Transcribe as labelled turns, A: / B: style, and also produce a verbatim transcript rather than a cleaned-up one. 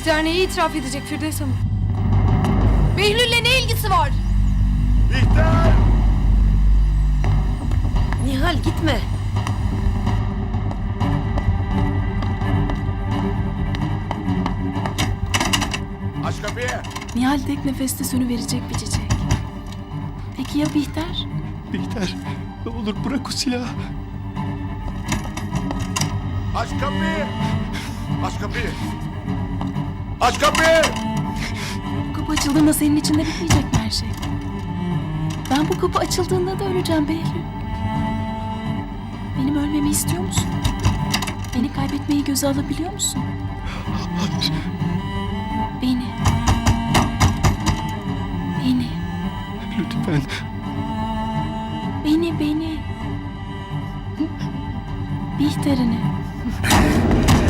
A: Bihter neyi itiraf edecek Firdevs Hanım? Behlül'le ne ilgisi var?
B: Bihter!
C: Nihal gitme.
B: Aç kapıyı.
D: Nihal tek nefeste sönüverecek bir çiçek. Peki ya Bihter?
E: Bihter, ne olur bırak o silahı.
B: Aç kapıyı. Aç kapıyı. Aç kapıyı.
D: Bu kapı açıldığında senin içinde bitmeyecek mi her şey? Ben bu kapı açıldığında da öleceğim Behlül. Benim ölmemi istiyor musun? Beni kaybetmeyi göze alabiliyor musun?
E: Hayır.
D: Beni. Beni.
E: Lütfen.
D: Beni, beni. Bihter'ini.